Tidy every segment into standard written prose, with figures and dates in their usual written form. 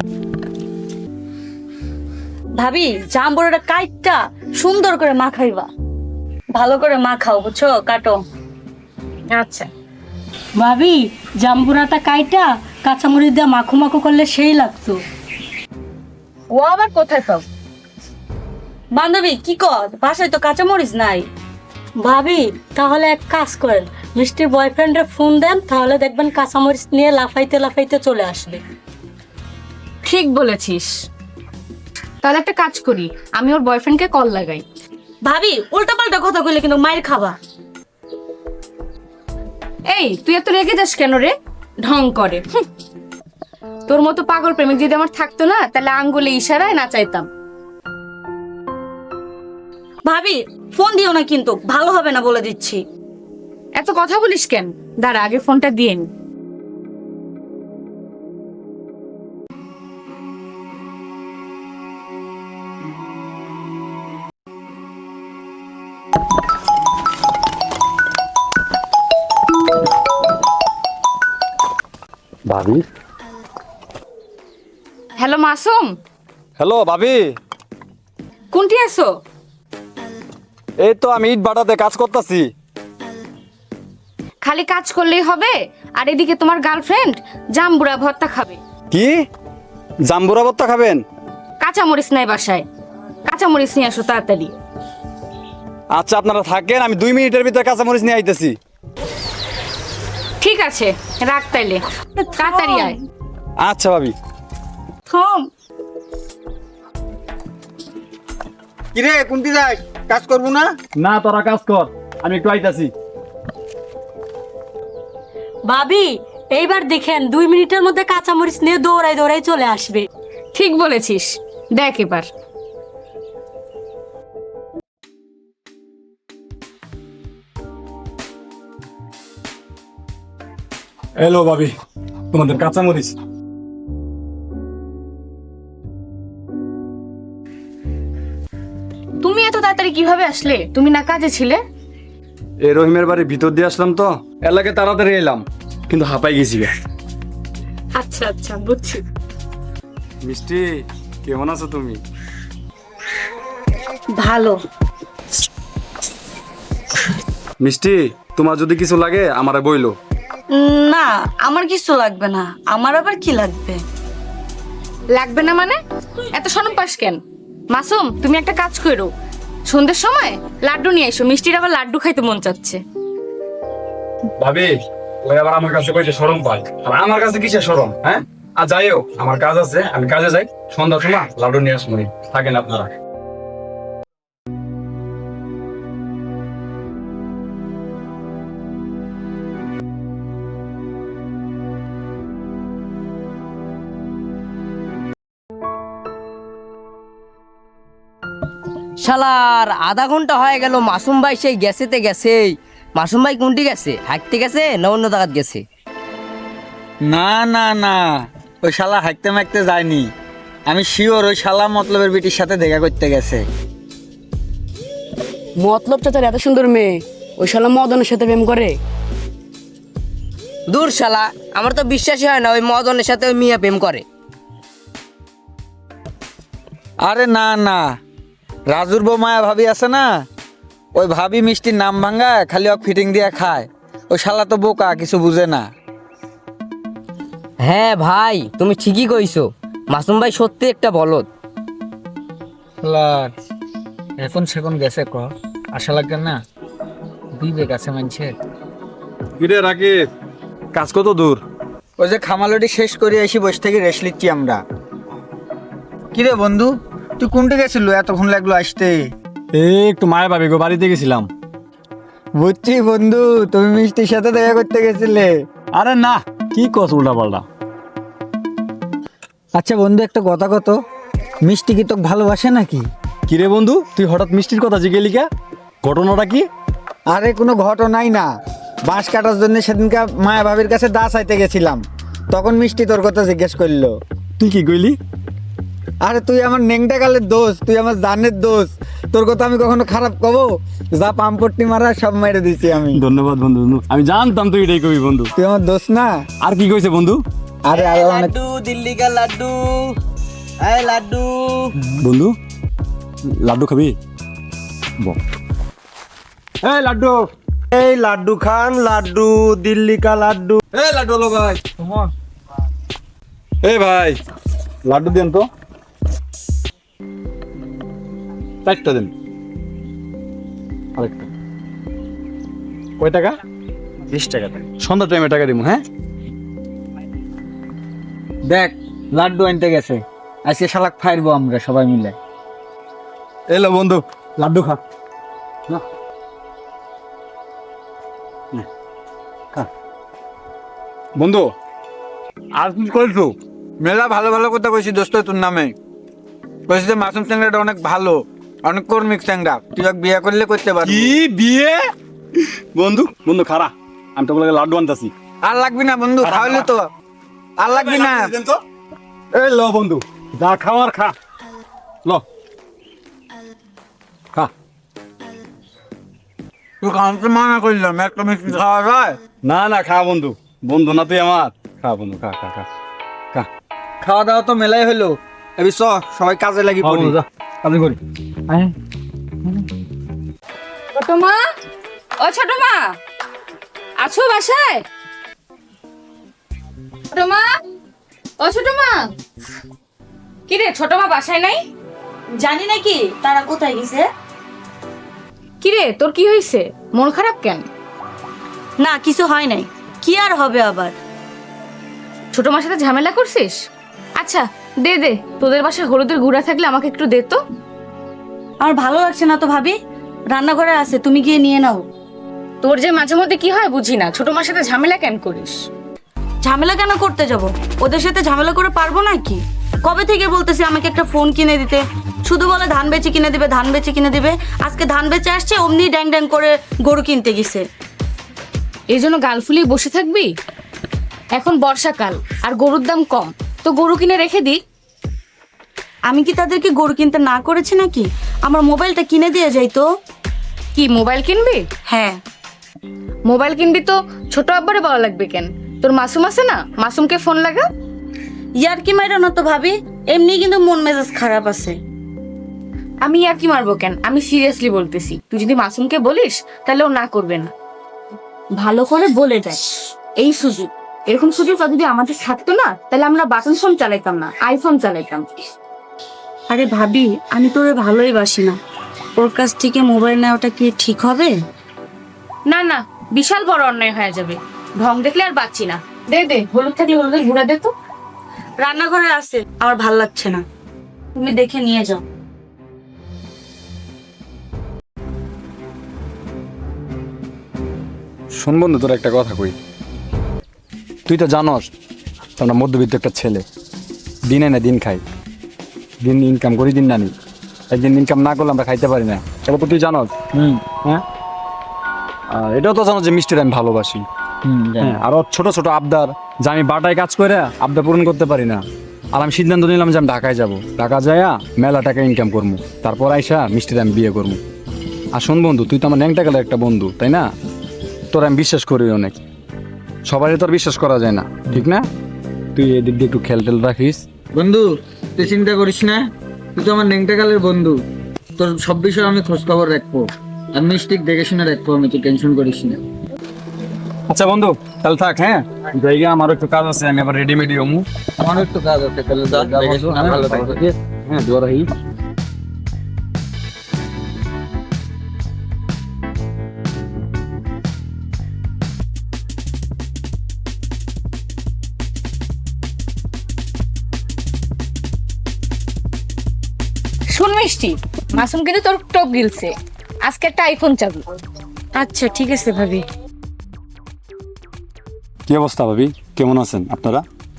ভাবি জাম্বুরাটা কাইটটা সুন্দর করে মাখাইবা, ভালো করে মাখাও, বুঝছো? কাটো। আচ্ছা ভাবি জাম্বুরাটা কাইটা কাঁচামরিচ দিয়ে মাখো মাখো করলে সেই লাগতো। ও আবার কোথায় পাও? বান্ধবী কি কর, বাসায় তো কাঁচামরিচ নাই। ভাবি তাহলে এক কাজ করেন, মিষ্টির বয়ফ্রেন্ডে ফোন দেন, তাহলে দেখবেন কাঁচামরিচ নিয়ে লাফাইতে লাফাইতে চলে আসবে। ঠিক বলেছিস, তাহলে একটা কাজ করি, আমি ওর বয়ফ্রেন্ডকে কল লাগাই। ভাবি উল্টা পাল্টা কথা কইলে কিন্তু মায়ের খাবা। এই তুই এত রেগে যাস কেন রে? ঢং করে। তোর মতো পাগল প্রেমিক যদি আমার থাকতো না, তাহলে আঙ্গুলে ইশারায় নাচাইতাম। ভাবি ফোন দিও না কিন্তু, ভালো হবে না বলে দিচ্ছি। এত কথা বলিস কেন? দাঁড়া আগে ফোনটা দিয়ে নি। ভাবি। হ্যালো মাসুম, হ্যালো ভাবি। কোনটি আছো? এই তো আমি ইট ভাটাতে কাজ করতেছি। খালি কাজ করলেই হবে? আর এদিকে তোমার গার্লফ্রেন্ড জাম্বুরা ভর্তা খাবে। কি জাম্বুরা ভর্তা খাবেন? কাঁচামরিচ নাই বাসায়, কাঁচামরিচ নিয়ে আসো তাড়াতাড়ি। আচ্ছা আপনারা থাকেন, আমি 2 মিনিটের ভিতরে কাঁচামরিচ নিয়ে আইতেছি। ঠিক আছে রাখ তাইলে, তাড়াতাড়ি আয়। আচ্ছা ভাবি। থাম। কিরে কোনটি যাই, কাজ করবো না? না তোরা কাজ কর, আমি একটু আইতাছি। ভাবি এইবার দেখেন 2 মিনিটের মধ্যে কাঁচামরিচ নিয়ে দৌড়াই দৌড়াই চলে আসবে। ঠিক বলেছিস, দেখ এবার। হ্যালো ভাবি, তোমাদের কাঁচামরিচ। তুমি এত তাড়াতাড়ি কিভাবে আসলে? তুমি না কাজে ছিলে? এই রহিমের বাড়ির ভিতর দিয়ে আসলাম তো, এলাকায় তাড়াতাড়ি এলাম, কিন্তু হাঁপাই গেছি গে। আচ্ছা আচ্ছা বুঝছি। মিষ্টি কেমন আছো তুমি? ভালো। মিষ্টি তোমার যদি কিছু লাগে আমারে বইলো। না আমার কিছু লাগবে না। আমার আবার কি লাগবে? লাগবে না মানে? এত শরম পাস কেন? মাসুম তুমি একটা কাজ করো, সন্ধ্যের সময় লাড্ডু নিয়ে এসো, মিষ্টির আবার লাড্ডু খাইতে মন চাচ্ছে। ভাবি ওই আবার আমার কাছে কইছে শরম পায়, আর আমার কাছে কিসের শরম? হ্যাঁ আর যাইও, আমার কাজ আছে, আমি কাজে যাই, সন্ধ্যার সময় লাড্ডু নিয়ে আসবো। থাকেন আপনারা। শালার আধা ঘন্টা হয়ে গেল, মাসুম ভাই সেই গেছেতে গেছেই। মাসুম ভাই কোনটি গেছে? হাঁটতে গেছে না অন্য জায়গায় গেছে? না না না, ওই শালা হাঁকতে মাখতে যায়নি। আমি শিওর ওই শালা মতলবের বিটির সাথে দেখা করতে গেছে। মতলব চাচার এত সুন্দর মেয়ে, ওই শালা মদনের সাথে প্রেম করে? দূর শালা, আমার তো বিশ্বাসই হয় না ওই মদনের সাথে ওই মিয়া প্রেম করে। আরে না না, রাজুর বউ মায়া ভাবি আছে না, ওই ভাবি মিষ্টির নাম ভাঙ্গা খালি ওক ফিটিং দিয়ে খায়। ওই শালা তো বোকা, কিছু বুঝে না। হ্যাঁ ভাই তুমি ঠিকই কইছো, মাসুম ভাই সত্যি একটা বলদ। এখন সেখন গেছে ক আশা লাগবে না, বিবেক আছে মানুষের। কিরে রাকিব, কাজ কত দূর? ওই যে খামালটি শেষ করে এসে বসে থেকে রেস্ট নিচ্ছি আমরা। কিরে বন্ধু, তুই কোনটি গেছিল, এতক্ষণ লাগলো আসতে? একটু মায়া ভাবি গো বাড়িতে গেছিলাম। বুঝছি বন্ধু, তুমি মিষ্টির সাথে দেখা করতে গেছিলে। আরে না, কি কস উল্টা পাল্টা। আচ্ছা বন্ধু একটা কথা কত, মিষ্টি কি তোকে ভালোবাসে নাকি? কিরে বন্ধু, তুই হঠাৎ মিষ্টির কথা জিজ্ঞেলি কে? ঘটনাটা কি? আরে কোনো ঘটনাই না, বাঁশ কাটার জন্য সেদিনকে মায়া ভাবির কাছে দা চাইতে গেছিলাম, তখন মিষ্টি তোর কথা জিজ্ঞেস করলো। তুই কি কইলি? আরে তুই আমার নেংটা কালের দোষ, তুই আমার জানের দোষ, তোর কথা আমি কখনো খারাপ কবো? যা পাম্পট্টি মারা সব মেরে দিছি আমি। ধন্যবাদ বন্ধু, আমি জানতাম তুই এটাই কবি বন্ধু। তুই আমার দোষ না। আর কি কইছে বন্ধু? আরে আরো অনেক লাড্ডু দিল্লি কা লাড্ডু, এই লাড্ডু। বন্ধু লাড্ডু খাবি? এই লাড্ডু, এই লাড্ডু খান, লাড্ডু দিল্লি কা লাড্ডু। এই লাড্ডু হলো ভাই। এই ভাই লাড্ডু দেন তো, 4টা দেন। আরেকটা কয় টাকা? 20 টাকা। সন্ধ্যা টাইমে টাকা দিব। হ্যাঁ দেখ লাড্ডু আনতে গেছে, আজকে শালাক ফাইরবো আমরা সবাই মিলে। এলো বন্ধু লাড্ডু খা। বন্ধু আর কি করছো? মেলা ভালো ভালো কথা কইছি দোস্ত তোর নামে। কইছি যে মাসুম চ্যাংড়াটা অনেক ভালো, অনেক কর্মিক চ্যাংড়া, তুই এক বিয়ে করলে করতে পারবি। কি বিয়ে? বন্ধু বন্ধু খারা, আমি তো বলে লাড্ডু আনতাছি। আর লাগবি না বন্ধু, খাওয়ালে তো আর লাগবি না। এই লো বন্ধু, যা খাওয়ার খা, লো খা। তুই খাওয়াতে মানা করলাম, একটা মিষ্টি খাওয়া যায়? না না খা বন্ধু, বন্ধু না তুই আমার। খা বন্ধু খা খা খা খা। খাওয়া দাওয়া তো মেলাই হলো, এবি চ সবাই কাজে লাগি পড়ি। কাজে করি। ছোট মা, ও ছোট মা, আছো বাসায়? ছোট মা, ও ছোট মা। কি রে, ছোট মা বাসায় নাই? জানি নাকি তারা কোথায় গেছে। কি রে, তোর কি হয়েছে? মন খারাপ কেন? না কিছু হয় নাই, কি আর হবে আবার। ছোট মার সাথে ঝামেলা করছিস? আচ্ছা দে দে, তোদের বাসায় হলুদের গুঁড়া থাকলে আমাকে একটু দে তো। আমার ভালো লাগছে না তো ভাবি, রান্নাঘরে আছে, তুমি গিয়ে নিয়ে নাও। তোর যে মাঝে মধ্যে কি হয় বুঝি না, ছোট মার সাথে ঝামেলা কেন করিস? ঝামেলা কেন করতে যাব? ওদের সাথে ঝামেলা করে পারবো নাকি? কবে থেকে বলতেছি আমাকে একটা ফোন কিনে দিতে, শুধু বলে ধান বেচে কিনে দিবে, ধান বেচে কিনে দিবে। আজকে ধান বেচে আসছে, অমনি ড্যাং ড্যাং করে গরু কিনতে গেছে। এই জন্য গাল ফুলিয়ে বসে থাকবি? এখন বর্ষাকাল আর গরুর দাম কম, তো গরু কিনে রেখে দি। আমি কি তাদেরকে গরু কিনতে না করেছি নাকি? আমার মোবাইলটা কিনে দিয়ে যাই তো। কি মোবাইল কিনবি? হ্যাঁ মোবাইল কিনবি তো ছোট আব্বারে বলা লাগবে কেন? তোর মাসুম আছে না, মাসুমকে ফোন লাগা। ইয়ার কি মাইরো না তো ভাবি, এমনি কিন্তু মন মেজাজ খারাপ আছে। আমি আর কি মারবো কেন, আমি সিরিয়াসলি বলতেছি। তুই যদি মাসুমকে বলিস তাহলে ও না করবে না। ভালো করে বলে দেয়। এই সুযোগ, এরকম সুযোগ যদি আমাদের থাকতো না, তাহলে আমরা বাটন ফোন চালাইতাম না, আইফোন চালাইতাম। আরে ভাবি, আমি তোরে ভালোই বাসি না, ওর কাছ থেকে মোবাইল নেওয়াটা কি ঠিক হবে? না না, বিশাল বড় অন্যায় হয়ে যাবে। ঢং দেখলে আর বাঁচি না। দে দে, হলুদ থাকলে হলুদের গুঁড়া দে তো। রান্নাঘরে আছে, আমার ভাল লাগছে না, তুমি দেখে নিয়ে যাও। শোন বন্ধু, তোর একটা কথা কই। তুই তো জানস আমরা মধ্যবিত্ত একটা ছেলে, দিনে না দিন খাই, দিন ইনকাম করি, দিন না নি। একদিন ইনকাম না করলে আমরা খাইতে পারি না, এটা তো তুই জানস। হ্যাঁ, আর এটাও তো জানো যে মিষ্টির আমি ভালোবাসি। হ্যাঁ, আরো ছোট ছোট আবদার, যে আমি বাটায় কাজ করে আবদার পূরণ করতে পারি না। আর আমি সিদ্ধান্ত নিলাম যে আমি ঢাকায় যাবো, ঢাকা যাইয়া মেলা টাকা ইনকাম করবো, তারপর আইসা মিষ্টির আমি বিয়ে করবো। আর শোন বন্ধু, তুই তো আমার ন্যাংটা গেলে একটা বন্ধু, তাই না? তোর আমি বিশ্বাস করি অনেক, সবাই তোর বিশ্বাস করা যায় না, ঠিক না? তুই এদিক দিয়ে একটু খেল টেল রাখিস। বন্ধু তুই চিন্তা করিস না, তুই তো আমার নেংটাকালের বন্ধু, তোর সব বিষয়ে আমি খোঁজ খবর রাখবো, আর মিষ্টি দেখে শুনে রাখবো আমি, তুই টেনশন করিস না। আচ্ছা বন্ধু, তাহলে থাক। হ্যাঁ, জায়গা আমারও একটু কাজ আছে, আমি আবার রেডিমেডি হমু। আমারও একটু কাজ আছে, তাহলে দেখে শুনে ভালো থাকবে। হ্যাঁ, দোয়া রাখি। শুন মিষ্টি, মাসুম কিন্তু তোর টপ গিলছে, আজকে একটা আইফোন চাবি। আচ্ছা ঠিক আছে ভাবি। কি অবস্থা ভাবি, কেমন আছেন আপনারা?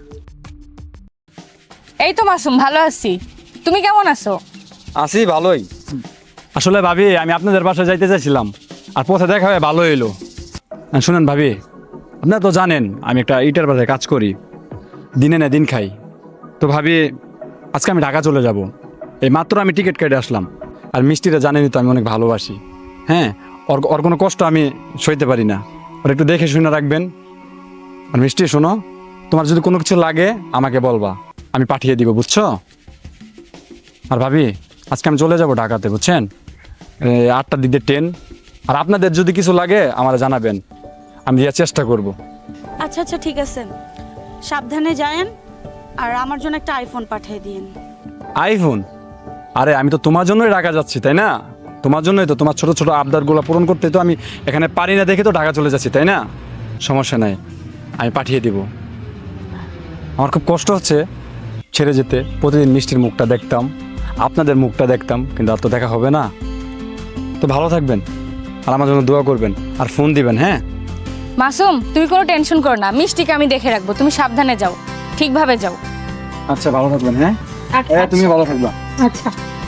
এই তো মাসুম, ভালো আছি। তুমি কেমন আছো? আছি ভালোই। আসলে ভাবি, আমি আপনাদের বাসায় যাইতে চাইছিলাম, আর পথে দেখা হয়ে ভালো এলো। শুনেন ভাবি, আপনারা তো জানেন আমি একটা ইটার বাজারে কাজ করি, দিনে না দিন খাই। তো ভাবি, আজকে আমি ঢাকা চলে যাব। এই মাত্র আমি টিকিট কেটে আসলাম। আর মিষ্টিটা জানেনই তো আমি অনেক ভালোবাসি। হ্যাঁ, ওর কোনো কষ্ট আমি সইতে পারি না, ওর একটু দেখে শুনে রাখবেন। আর মিষ্টি শোনো, তোমার যদি কোনো কিছু লাগে আমাকে বলবা, আমি পাঠিয়ে দিব, বুঝছো? আর ভাবি আজকে আমি চলে যাব ঢাকাতে, বুঝছেন? 8টার দিকে ট্রেন। আর আপনাদের যদি কিছু লাগে আমার জানাবেন, আমি দেওয়ার চেষ্টা করব। আচ্ছা আচ্ছা ঠিক আছে, সাবধানে যায়েন। আর আমার জন্য একটা আইফোন পাঠিয়ে দিন। আইফোন? আরে আমি তো তোমার জন্যই ঢাকা যাচ্ছি, তাই না? তোমার জন্যই তো, তোমার ছোট ছোট আবদারগুলো পূরণ করতে তো আমি এখানে পারি না দেখে তো ঢাকা চলে যাচ্ছি, তাই না? সমস্যা নাই, আমি পাঠিয়ে দিব। আমার খুব কষ্ট হচ্ছে ছেড়ে যেতে। প্রতিদিন মিষ্টির মুখটা দেখতাম, আপনাদের মুখটা দেখতাম, কিন্তু আর তো দেখা হবে না। তো ভালো থাকবেন আর আমার জন্য দোয়া করবেন আর ফোন দিবেন, হ্যাঁ? মাসুম, তুমি কোনো টেনশন করো না, মিষ্টিকে আমি দেখে রাখবো। তুমি সাবধানে যাও, ঠিকভাবে যাও। আচ্ছা ভালো থাকবেন, হ্যাঁ? তুমি ভালো থাকবা। আচ্ছা